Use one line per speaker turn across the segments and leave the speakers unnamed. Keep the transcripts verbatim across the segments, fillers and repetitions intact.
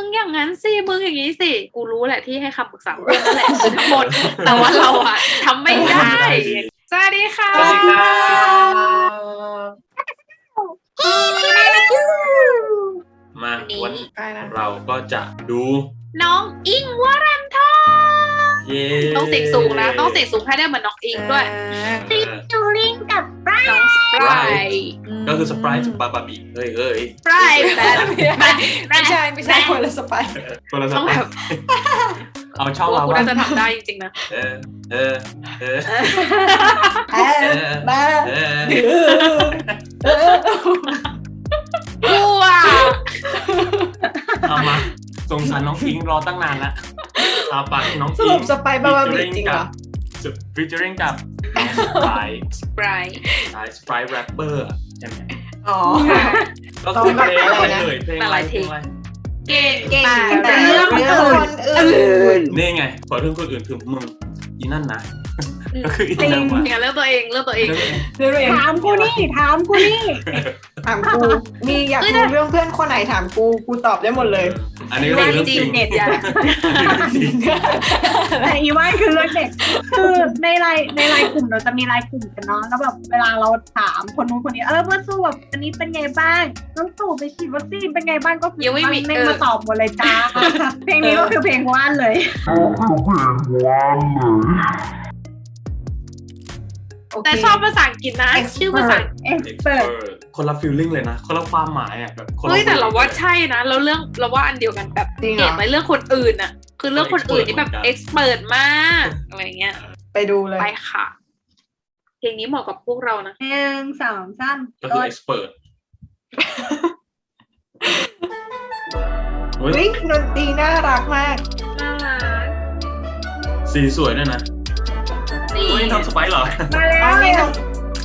อย่างนั้นสิมึงอย่างนี้สิกูรู้แหละที่ให้คำปรึกษาเพื่อนนั่นแหละคือทั้งหมดแต่ว่าเราอะทำไม่ได้สวัสดีค่ะ
สวัสดีครับมาวันนี้เราก็จะดู
น้องอิงวรันทร
เย้
ต้องเสียงสูงนะต้องเสียงสูงให้ได้เหมือนน้องอิงด้วย
ฟิชจูริงกับไบร
น้องสปราย
ก็คือสปรายจากบาบาบีเฮ้ยเฮ้ย
สปรายแบบ
ไม่ใช่ไม่ใช่คนละสไปร์
คนละส
ต้อง
ปรา
แบ
ย
บ
เอาช่อง
ว่า
เรา
กู
ว่า
น่าจะทำได้จริงๆนะ
เออเออเออ
แอบมา
เออ
เออ
กูอะ
เอามาสงสารน้องอิงรอตั้งนานละเอาปากน้อง
ส
อิ
รุ
ง
ปสไปร์บาบาบีจริงเหรอ
ฟิชเจอริงกับน้องสปราย
สปราย
สปรายแรปเปอร์ใช่ไหม
อ๋อ
ก็คือเพลง
อะ
อะไร ไร
นะ
เอ่ยเพลงอะไรเพลงอะไร
เก่ง
เก่ง
แต่
แต่
เรื่
เรื่
อ
อง ง
อื่
คน นอื่น
นี่ไงขอเรื่องคนอื่นคือมึงอีนั่นนะก็คืออีนั่นมา
อย่าเลือกตัวเองเลือกตัวเอง
เรื่องเอง
ถามกูนี่ถามกูนี่
ถามกูมีอยากรู้เรื่องเพื่อนคนไหนถามกูกูตอบได้หมดเลย
อันนี้ก็เป็นเรื่องจริง
เน็ตอย่า
แต่อีว่านคือเรื่องเด็กคือในไลน์ในไลน์กลุ่มเราจะมีไลน์กลุ่มกันเนาะแล้วแบบเวลาเราถามคนนู้นคนนี้เออเพื่อนสู้แบบอันนี้เป็นไงบ้างน้องตู่ไปฉีดวัคซีนเป็นไงบ้างก็คือ
ยังไม่มี
ไม่มาตอบหมดเลยจ้าเพลงนี้ก็คือเพลงว่านเลย
แต่ชอบภาษาอังกฤษนะชื่อภาษา
เอ็กเปิด
คนละฟีลลิ่งเลยนะคนละความหมายอ่ะแบบคนละ
เฮ้ยแต่เราว่าใช่นะแล้วเรื่องเราว่าอันเดียวกันแบบ
จริงเหร
เก่
อง
ไปเรื่องคนอื่นอะคือเรื่องคนอื่นนี่แบบเอ็กซ์เปิดมากอะไรเงี้ย
ไปดูเลย
ไปค่ะ เพลงนี้เหมาะกับพวกเรานะ
หนึ่งสองสาม
ก็คือ expert เฮ้ย
วิดนตรีน่ารักมาก
น่ารัก
สีสวยด้วยนะ
นี่
เฮ้ยทำสไปร์เหรอ
มาแล้
อ๋อ
ว
นี่น้อง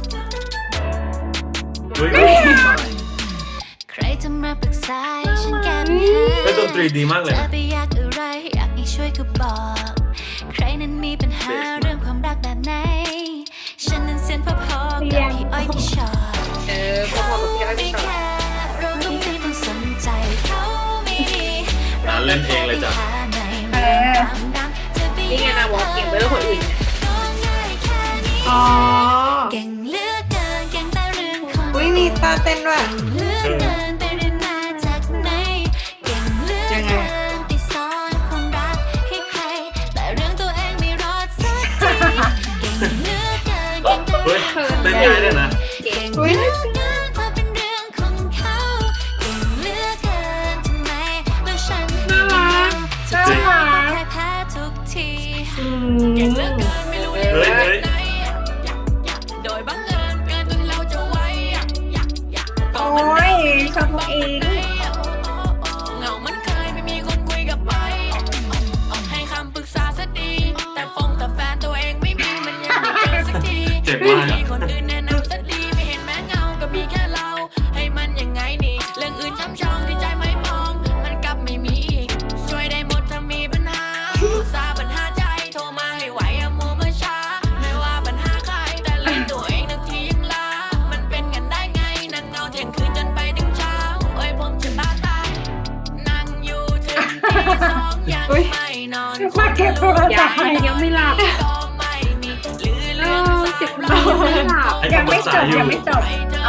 เฮ้ย
ใครจะมาปรึกษาให้ฉันแก้ปัญหา
เฮ้ยดนตรีดีมากเลย
จะ
นะ
ไปอยากอะไรอยากให้ช่วยก็บอก ใครนั้นมีปัญหาเรื่องความรักแบบไหน ฉันนั้นเส้นพอพอๆกับพี่อ้อยพี่ชอต
เออพอๆกับพี่อ้อยพี่ชอต
เราต้องไม่ต้องสนใจเขาไม่ดี
ร้านเล่นเองเลยจ้ะ
เออ
นี่ไงนะวอลเก่งไปเรื่องคนอื่น
อ๋อ
เก่งเหลือกเกินเก่งแต่เรื่องของ
อุ้ยมีตาเต้นด้วย
เหลือกเกินไปเรียนมาจากไหนเก่งเหลือกเกินไปสอนความรักให้ใครแต่เรื่องตัวเองไม่รอดสักทีเก่งเหลือกเกินเก่งแต่
เฮ้ยเต้นง่ายด้วยนะ
เก่ง
อุ้ย
เรื่องความเป็นเรื่องของเขาเก่งเหลือกเกินทำไมเมื่อฉันไม่มีสุดท้ายแพ้ทุกที
อืม
เฮ้ยเฮ้ย
โดยบังเอิญเกินจนเราจะไว้
โอ้ยชอบตัวเอง
เหงามันเคยไม่มีคนคุยกับไปให้คำปรึกษาซะดี แต่ฟงแต่แฟนตัวเองไม่มีมันยังไม่เจอสักที
เจ็บมาก
มี
อะ
คนอื่นแนะนำซะดีไม่เห็นแม้เงาก็มีแค่เรา ให้มันยังไงนี่เรื่องอื่นช้ำชองที่ใจไม่มอง มันกลับไม่มีอีกช่วยได้หมดถ้ามีปัญหาปรึกษาปัญหาใจโทรมาให้ไหวอย่ามัวมาช้าไม่ว่าปัญหาใครแต่เล่นตัวเองนึกทียังลามันเป็นกันได้ไงนั่งเงาเที่ยงคืนจนไปถึงเช้าโอ้ยผมจะบ้าตายนั่งอยู่ถึงตีสองยังไม่นอน
มาเก็บโทรศั
ยั
พ
ง
ท์
ยังไม่หลับ
ก็ไม่มีหรือ
เอ
เรื่อง
อ
สา
เจ็บ
ว
เรายังไม่หลับ
ให้
ยัง
คำปรึ
ไม่
ก
จ
ษา
บ
อยู่
ยังไม่จบเอา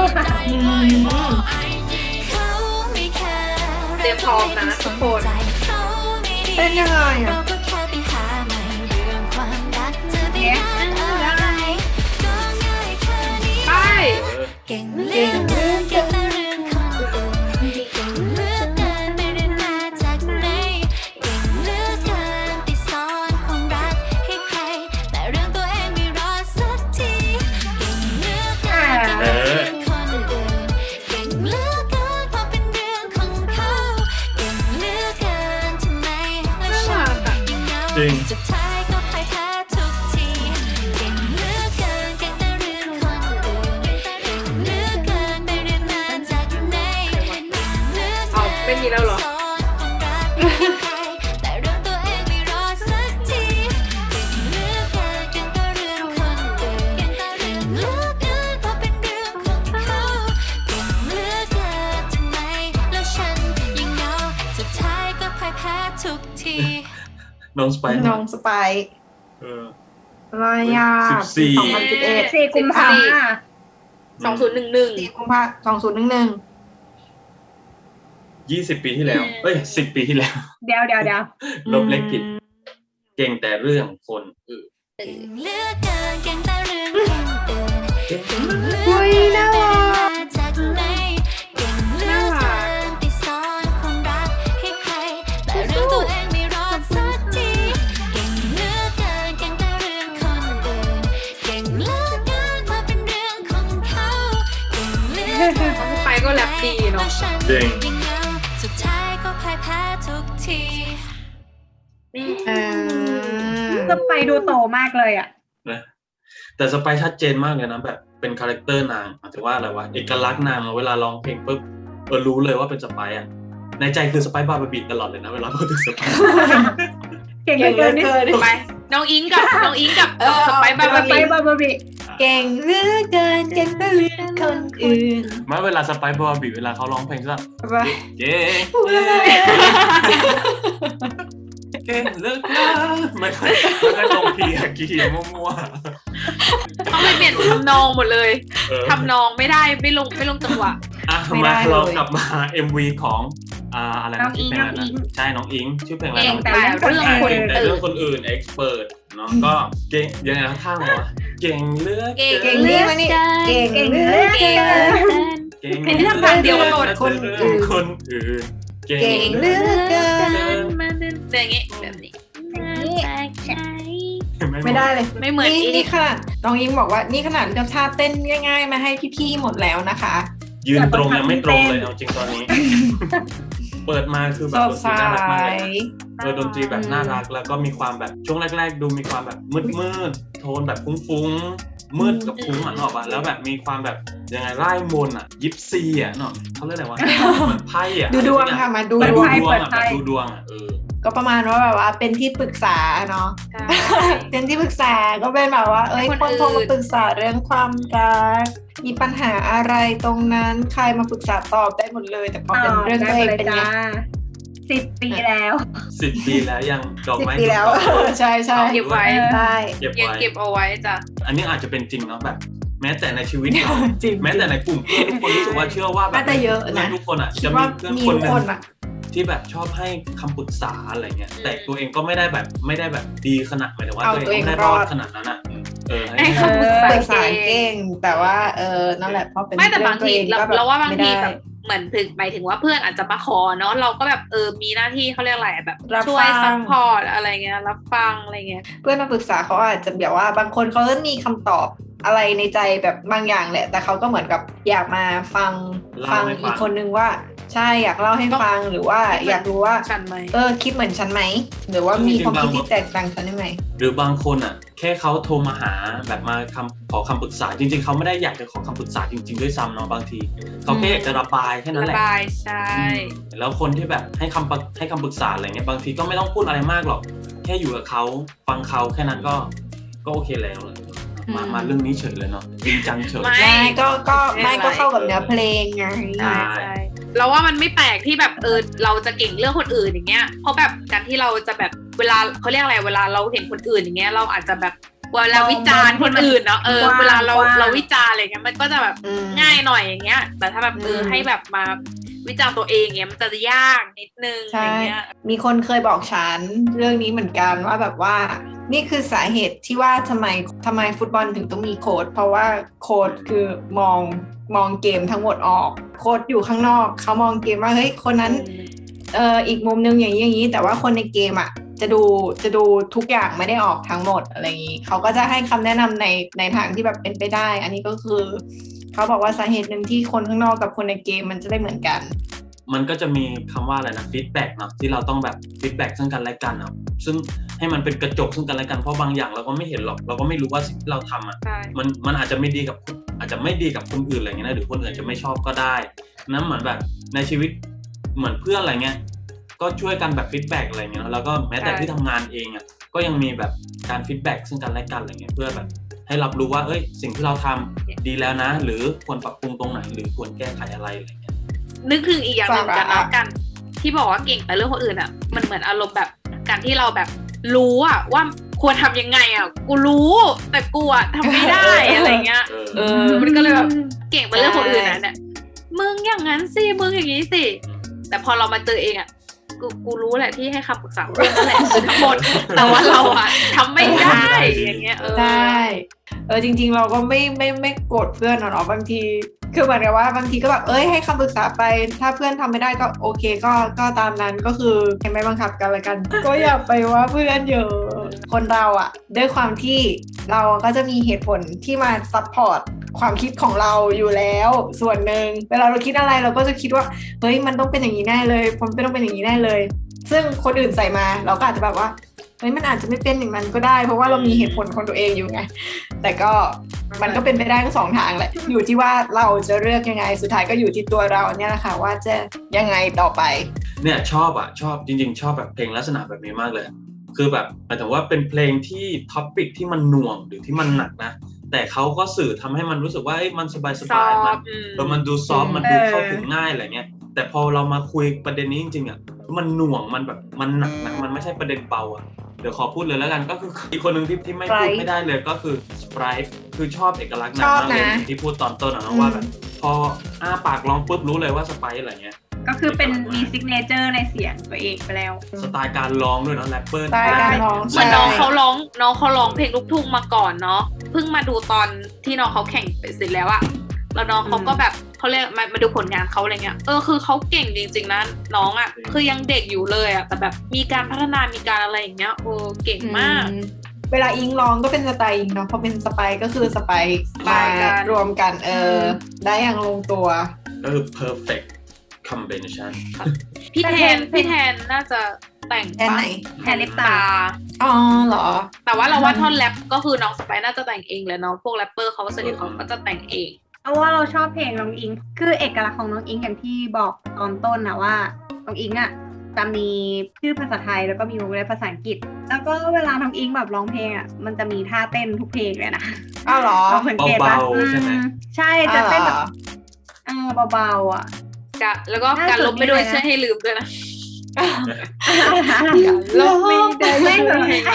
เตรียมพร้อมนะทุกคน
เต้นยังไง
เรา
อ่ะ
ก็แค่ไปหาใหม่เรื่องความรักจะไปนานอะไรก็ง่ายแค่นี้
ไป
เก่งเหลือกเกินเก่งแต่เรื่องคนอื่นเก่งเหลือกเกินไปเรียนมาจากไหนเก่งเหลือกเกินไปสอนความรักให้ใครแต่เรื่องตัวเองไม่รอดสักทีเก่งเหลือกเกินไปเรื่องคนอื่นเก่งเหลือกเกินพอเป็นเรื่องของเขาเก่งเหลือกเกินทำไมและฉันยังเหงา
จริง
สุดท้ายก็พ่ายแพ้ทุกทีเก่งเหลือกเกินเก่งแต่เรื่องคนอื่นเก่งเหลือกเกินไปเรียนมาจากไหนเก่งเหลือกเกิน
เอาไม่มีแล้วเหรอ
สอนความรักให้ใครแต่เรื่องตัวเองไม่รอดสักทีเก่งเหลือกเกินเก่งแต่เรื่องคนอื่นเก่งเหลือกเกินเพราะเป็นเรื่องของเขาเก่งเหลือกเกินทำไมแล้วฉันยังเหงาสุดท้ายทุกที
น้องสไปซ์
น้องสไปซ์
เออ
อะไรอ่ะ
สิบสี่
สองพันสิบเอ็ด
สี่กุมภา
สองศูนย์หนึ่งหนึ่ง
สี่กุมภาสองศูนย์หนึ่งหนึ่ง
ยี่สิบปีที่แล้วเอ้ยสิบปีที่แล้ว
เดี๋ยวเดี๋ยวเดี๋ยว
ลบเลขผิด เก่งแต่เรื่องคนอื่น
เก่งเหลือกเกินเก่งแต่เรื่องคนอื่นเก่งเหลือก
อุ้ย
เกิน
น่า
ไม่
รั
ว่าก จากไหนเก่งเหลือกเกินที่สอนความรักให้ใครแต่เรื่องตัวเองไม่รอดสักทีเก่งเหลือกเกินเก่งแต่เรื่องคนอื่นเก่งเหลือกเกินมาเป็นเรื่องของเขาเก่งเหลือกเกิน
น้องไปก็แรปดีเนาะ
เก่ง
ยิ่งเหงาสุดท้ายก็พ่ายแพ้ทุกที
เออ
สไปดูโตมากเลยอ่ะ
นะแต่สไปซ์ชัดเจนมากเลยนะแบบเป็นคาแรคเตอร์นางหมายถึงว่าอะไรวะเอกลักษณ์นางเวลาร้องเพลงปุ๊บเออรู้เลยว่าเป็นสไปซ์อ่ะในใจคือสไปซ์บาร์บบีตลอดเลยนะเวลาพูดถึงสไปซ์
เก่งเห
เก่
ลื
ง
อ
เหลื
เกิ
อน
นี่
เกิน
ไปน้องอิงกับน้องอิงกับ
เออ
สไปซ์บาร์
ส
บา
ไป
บี
บาร์บาบี
เก่งเหลือเกินเก่งแต่เรื่องคนอื่น
มาเวลาสไปซ์บาร์บบีเวลาเขาร้องเพลงก็
ไป
เก่ง
พูดอะไร
เก่งเลิกแล้วไม่ค่อยไม่ค่อยตรงคีย์อะคีย์มั่ว
ต้องไปเปลี่ยนทำนองหมดเลย
ๆเออ
ทำนองไม่ได้ไม่ลงไม่ลงจังหวะ
อ่ะ
ไม่
มา
ได้เลย
เรากลับมา เอ็ม วี ของอ่าอะไร
น้อ
นะ
งอิ
ชื่อง เพลงอะไร
น้องอิ
นะ
ง
ใช่น้องอิงชื่อเพลงอะไร
เก่ง
นะ
แต่เรื่องคน
เก่งแต่
อื่
เรื่อน งคนอื่น expert เนาะก็เก่งยังไงนะท่าวะเก่งเลือก
เก่ง
เก่งนี่มานี่เก่ง
เก่ง
เห
เห
ลื
ลื
อ
อ
เกิ
เกิ
น
น
เก่ง
เป็นที่ทำงานเดียวกันหมด
คนอื่นคนอื่น
เก่งเหลือเกิน
มาเดินแบบนี้แบบนี้
ไม่ได้เลย
ไม่เหมือน
นี่
อี
นี่ขนาดน้องอิงบอกว่านี่ขนาดเลือกท่าเต้นง่ายๆมาให้พี่ๆหมดแล้วนะคะ
ยืนตรงยังไม่ตรงเลยเอาจริงตอนนี้ เปิดมาคือแบ
ส
บ
ด
ดนต
ใส
รีน่ารักมากเลยนะเออดนตรีแบบน่ารักแล้วก็มีความแบบช่วงแรก ๆ ดูมีความแบบมืดๆโทนแบบฟุ้งๆมืดกับฟุ้งอ่ะเนกอะปะแล้วแบบมีความแบบยังไงไล่มนต์อ่ะยิปซีอ่ะเนาะเขาเรียกอะไรวะเหมือนไพ่อ่ะ
ดูดวงค่ะมาดู
แบบ
ด
ดู
วง
ดวงอ่ะแบบดูดวงอ่ะเออ
ก็ประมาณว่าแบบว่าเป็นที่ปรึกษาเนาะ
ใช่
เป็นที่ปรึกษาก็เป็นแบบว่า เอ้ย
ให้
ค
คน น
โทรมา
อื่น
ปรึกษาเรื่องความรักมีปัญหาอะไรตรงนั้นใครมาปรึกษาตอบได้หมดเลย แต่พอเป็นเรื่องตัวเองเป็นไง
สิบปีแล้ว
สิบปีแล้วยังดอก
สิบ
ไม้
ปีแล้ว
ดอกไม้
ใช่ใช่
เก็บไว้
ใช่
เก็บ
ยัง
ไว้
เก็บเอาไว้จ้ะ
อันนี้อาจจะเป็นจริงเนาะแบบ แม้แต่ในชีวิตเรา
จริง
แม้แต่ในกลุ่มเพื่อนทุกคนรู้สึกว่าเชื่อว่าแบบ
น่าจะเยอะนะ
ทุกคนอ่ะ
คิ
จะ
ด
มี
ว่า
เพื่อน
มี
คน
ทุก
หนึ
คน
ง
อะ
ที่แบบชอบให้คำปรึกษาอะไรเงี้ยแต่ตัวเองก็ไม่ได้แบบไม่ได้แบบดีขนาดหมายถึงว่า
เอา
ตัวเอง
ตัวเอง
ไม่ได้รอ
ร
ด
อด
ขนาดนั้นอ่ะเออ
ให้
ให้
คำปรึกษา
ปรึกษา
เก่
เก่
ง
งแต่ว่าเออนั่นแหละพอเป็น
ไม่แต่บางที
เรื่
เรา
อตัวองก็
เราว่าบางที
ไม่ได้
แบบเหมือนถึงหมายถึงว่าเพื่อนอาจจะมาขอเนาะเราก็แบบเออมีหน้าที่เขาเรียกอะไรอะแบบ
รับ
ช่วย
ฟัง
ซัพพอร์ตอะไรเงี้ยรับฟังอะไรเงี้ย
เพื่อนมาปรึกษาเขาอาจจะแบบว่าบางคนเขาก็มีคำตอบอะไรในใจแบบบางอย่างแหละ แต่เขาก็เหมือนกับอยากมาฟังฟังอีกคนนึงว่าใช่อยากเล่าให้ฟังหรือว่าอยากรู้ว่า
ฉันไหม
เออคิดเหมือนฉันไหมหรือว่ามีความคิดที่แตกต่างฉันได้ไหม
หรือบางคนอ่ะแค่เขาโทรมาหาแบบมาคำขอคำปรึกษาจริงๆเขาไม่ได้อยากจะขอคำปรึกษาจริงๆด้วยซ้ำเนาะบางทีเขาแค่อยากจะระบายแค่นั้น
ระ
แหละ
บายใช่
แล้วคนที่แบบให้คำปรึกให้คำปรึกษาอะไรเงี้ยบางทีก็ไม่ต้องพูดอะไรมากหรอกแค่อยู่กับเขาฟังเขาแค่นั้นก็ก็โอเคแล้วเลยมามาเรื่องนี้เฉยเลยเนาะจริงจังเฉย
ไม่ก็ก็ไม่ก็เข้ากับเนื้อเพลงไง
ใช่ใช่เราว่ามันไม่แปลกที่แบบเออเราจะเก่งเรื่องคนอื่นอย่างเงี้ยเพราะแบบการที่เราจะแบบเวลาเขาเรียกอะไรเวลาเราเห็นคนอื่นอย่างเงี้ยเราอาจจะแบบเวลาวิจารณ์คนอื่นเนาะเออเวลาเราเราวิจารณ์อะไรเงี้ยมันก็จะแบบ
อืม
ง่ายหน่อยอย่างเงี้ย แต่ถ้าแบบเออ
อืม
ให้แบบมาวิจารณ์ตัวเองเงี้ยมันจะยากนิดนึงอะไรเงี้ย
มีคนเคยบอกฉันเรื่องนี้เหมือนกันว่าแบบว่านี่คือสาเหตุที่ว่าทำไมทำไมฟุตบอลถึงต้องมีโค้ชเพราะว่าโค้ชคือมองมองเกมทั้งหมดออกโค้ชอยู่ข้างนอกเขามองเกมว่าเฮ้ยคนนั้นเอ่ออีกมุมนึงอย่างนี้อย่างนี้แต่ว่าคนในเกมอ่ะจะดูจะดูทุกอย่างไม่ได้ออกทั้งหมดอะไรอย่างนี้เขาก็จะให้คำแนะนำในในทางที่แบบเป็นไปได้อันนี้ก็คือเขาบอกว่าสาเหตุหนึ่งที่คนข้างนอกกับคนในเกมมันจะได้เหมือนกัน
มันก็จะมีคำว่าอะไรนะฟีดแบ็กเนาะที่เราต้องแบบฟีดแบ็กซึ่งกันและกันเนาะซึ่งให้มันเป็นกระจกซึ่งกันและกันเพราะบางอย่างเราก็ไม่เห็นหรอกเราก็ไม่รู้ว่าสิ่งที่เราทำอ่ะ
ใช่
มันมันอาจจะไม่ดีกับอาจจะไม่ดีกับคนอื่นอะไรเงี้ยนะหรือคนอื่นอาจจะไม่ชอบก็ได้นั้นเหมือนแบบในชีวิตเหมือนเพื่อนอะไรเงี้ยก็ช่วยกันแบบฟีดแบ็กอะไรเงี้ยแล้วก็แม้แต่ที่ทำงานเองอ่ะก็ยังมีแบบการฟีดแบ็กซึ่งกันและกันอะไรเงี้ยเพื่อแบบให้รับรู้ว่าเอ้ยสิ่งที่เราทำดีแล้วนะหรือควรปรับปรุงตรงไหนหรือควรแก้ไขอะไรอะไรเงี้ย
นึกถึงอีกอย่างหนึ่งกันแล้วกันที่บอกว่าเก่งแต่เรื่องคนอื่นอ่ะมันเหมือนอารมณ์แบบการที่เราแบบรู้อ่ะว่าควรทำยังไงอ่ะกูรู้แต่กูอ่ะทำไม่ได้อะไรเงี้ย
เออ
เออ
มันก็เลยแบบเก่งไปเรื่องคนอื่นนะเนี่ยมึงอย่างนั้นสิมึงอย่างนี้สิแต่พอเรามาเจอเองอ่ะกูกูรู้แหละที่ให้คำปรึกษาเพื่อนนั่นแหละคือทั้งหมดแต่ว่าเราอ่ะทำไม่ได้อย่างเงี้ยเออ
ใช่เออจริงๆเราก็ไม่ไม่ไม่โกรธเพื่อนหรอกบางทีคือเหมือนกับว่าบางทีก็แบบเอ้ยให้คำปรึกษาไปถ้าเพื่อนทำไม่ได้ก็โอเคก็ก็ตามนั้นก็คือไม่บังคับกันละกัน ก็อย่าไปว่าเพื่อนเยอะคนเราอะด้วยความที่เราก็จะมีเหตุผลที่มาซัพพอร์ตความคิดของเราอยู่แล้วส่วนหนึ่งเวลาเราคิดอะไรเราก็จะคิดว่าเฮ้ยมันต้องเป็นอย่างนี้แน่เลยผมไม่ต้องเป็นอย่างนี้แน่เลย ซึ่งคนอื่นใส่มาเราก็อาจจะแบบว่าเฮ้ยมันอาจจะไม่เป็นอย่างนั้นก็ได้เพราะว่าเรามีเหตุผลของตัวเองอยู่ไงแต่ก็มันก็เป็นไปได้ทั้งสองทางแหละอยู่ที่ว่าเราจะเลือกยังไงสุดท้ายก็อยู่ที่ตัวเราเนี่ยแหละค่ะว่าจะยังไงต่อไป
เนี่ยชอบอ่ะชอบจริงๆชอบแบบเพลงลักษณะแบบนี้มากเลยคือแบบหมายถึงว่าเป็นเพลงที่ท็อปปิกที่มันหน่วงหรือที่มันหนักนะแต่เขาก็สื่อทำให้มันรู้สึกว่ามันสบายสบายมันเออมันดูซอฟต์มันดูเข้าถึงง่ายอะไรเงี้ยแต่พอเรามาคุยประเด็นนี้จริงๆอ่ะมันหน่วงมันแบบมันหนักนะมันไม่ใช่ประเด็นเบาอ่ะเดี๋ยวขอพูดเลยแล้วกันก็คืออีกคนหนึ่งที่ที่ไม่พูดไม่ได้เลยก็คือสไปร์คือชอบเอกลักษณ์นางมากเลยที่พูดตอนต้นนะว่าแบบพออ้าปากร้องปุ๊บรู้เลยว่าสไปร์อะไรเงี้ย
ก็คือเป็นมีซิกเนเจอร์ในเสียงตัวเองไปแล้ว
สไตล์การร้องด้วยเนาะแรปเปอร์
สไตล์การร้อง
เหมือนน้องเขาร้องน้องเขาร้องเพลงลูกทุ่งมาก่อนเนาะเพิ่งมาดูตอนที่น้องเขาแข่งเสร็จแล้วอะแล้วน้องเขาก็แบบเขาเรียกมามาดูผลงานเขาอะไรเงี้ยเออคือเขาเก่งจริงๆนะน้องอะคือยังเด็กอยู่เลยอะแต่แบบมีการพัฒนามีการอะไรอย่างเงี้ยโอ้เก่งมาก
เวลาอิงร้องก็เป็นสไตล์อิงเนาะพอเป็นสไปก็คือสไปมารวมกันเออได้อย่างลงตัว
ก็คือ perfect combination
พี่แทนพี่แทนน่าจะแต่ง
แทนไหน
แทนลิปตา
อ๋อเหรอ
แต่ว่าเราว่าท่อนแรปก็คือน้องสไปน่าจะแต่งเองแหละเนาะพวกแรปเปอร์เขาสนิทเขาก็จะแต่งเอง
เพราะว่าเราชอบเพลงน้องอิงคือเอกลักษณ์ของน้องอิงอย่างที่บอกตอนต้นนะว่าน้องอิงอ่ะจะมีชื่อภาษาไทยแล้วก็มีวงเล็บภาษาอังกฤษแล้วก็เวลาน้องอิงแบบร้องเพลงอ่ะมันจะมีท่าเต้นทุกเพลงเลยนะ
อ้าวเหรอ
เราสังเกตว่า
ใช่ไหม
ใช่จะเต้นแบบเออเบาๆอ่ะ
แล้วก็การลบไม่ด้วยช่วยให้ลืมด้วยนะ
ลบไม่ได้ไม่ให้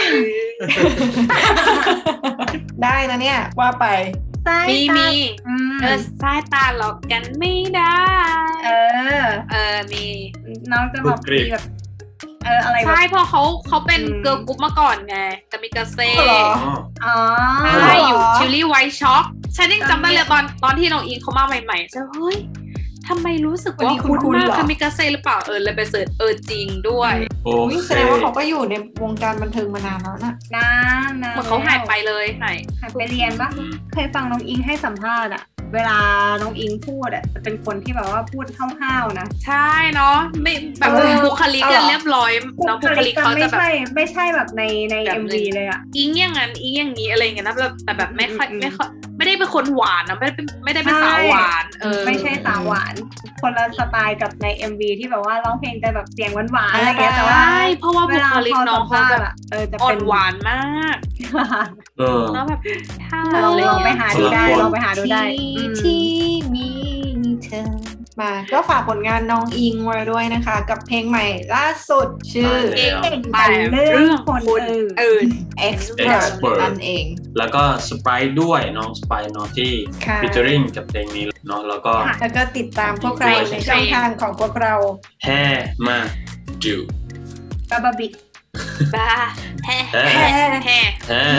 ได้นะเนี่ยว่าไป
มีมีเออสายตาหลอกกันไม่ได้
เออ
เออมี
น้องจะแบบมีแบบเอออะไร
ใช่เพราะเขาเขาเป็นเกิร์ลกรุ๊ปมาก่อนไงกามิกาเซ่
อ๋อ
ใช่อยู่ชิลลี่ไวท์ช็อกฉันยังจำได้เลยตอนตอนที่น้องอิงเขามาใหม่ๆฉันเฮ้ยทำไมรู้สึกว่าคุ้นมากคามิกาเซ่หรือเปล่าเออเลยไปเสิร์ชเออจริงด้วย
โอ้
แสดงว่าเขาก็อยู่ในวงการบันเทิงมานานแล้วนะ
นาน
นะเหมือนเขาหายไปเลยหาย
หายไปเรียนปะเคยฟังน้องอิงให้สัมภาษณ์อะเวลาน้องอิงพูดอะจะเป็นคนที่แบบว่าพูดห้าวๆนะ
ใช่เนาะไม่แบบบุคลิกจะเรียบร้อยน้องบุคลิกเขาจะแบบ
ไม่ใช่ไม่ใช่แบบในใน เอ็ม วี เลยอะ
อิงอย่างนั้นอิงอย่างนี้อะไรเงี้ยนะแบบแต่แบบไม่ค่อยไม่ค่อยไม่ได้เป็นคนหวานนะไม่ได้ไม่ได้เป็นสาวหวานเออ
ไม่ใช่สาวหวานคนละสไตล์กับใน เอ็ม วี ที่แบบว่าร้องเพลงจะแบบเสียงหวานๆอะไรเงี้ยแต่ว่า
เพราะว่าบุคลิกน้องเขาแบบ
เออจะ
อ่อ
เป็น
หวานมาก
เออ
แล้วแบบถ้า
ลองไปหาดูได้ลองไปหาดูได้
ที่มีเธอมาก็ฝากผลงานน้องอิงไว้ด้วยนะคะกับเพลงใหม่ล่าสุดชื่อ
เก่งไปเรื่องคนอื่น
Expert นั่นเอง
แล้วก็สไปร์ด้วยน้องสไปร์เนาะที่ featuring กับเพลงนี้เนาะแล้วก็
แล้วก็ติดตามพวกเราในช่องทางของพวกเรา
แฮ่มาจู
บาบาบิ
บ้าแฮ่แฮ่แฮ่
แฮ่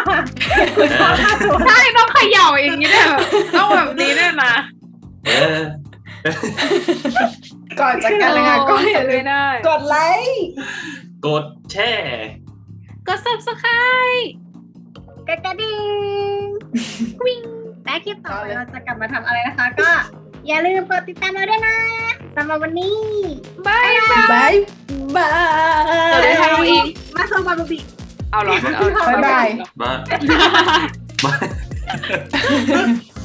ใช่ต้องเขย่าอย่างนี้ด้วยต้องแบบนี้ด้วยนะ
ก่อนจากกันเลยค่ะก็อย่าลืมกดไลค์
กดแชร์
กด Subscribe
กดกระดิ่งวิ่งและคลิปต่อไปเราจะกลับมาทำอะไรนะคะก็อย่าลืมกดติดตามเราด้วยนะสำหรับวันนี้
บายบาย
บายบาย
สวัสดีค่ะน้องอิง
มาส่งบาบูบิ
เอาหรอ
บ๊ายบาย
บาย
บาย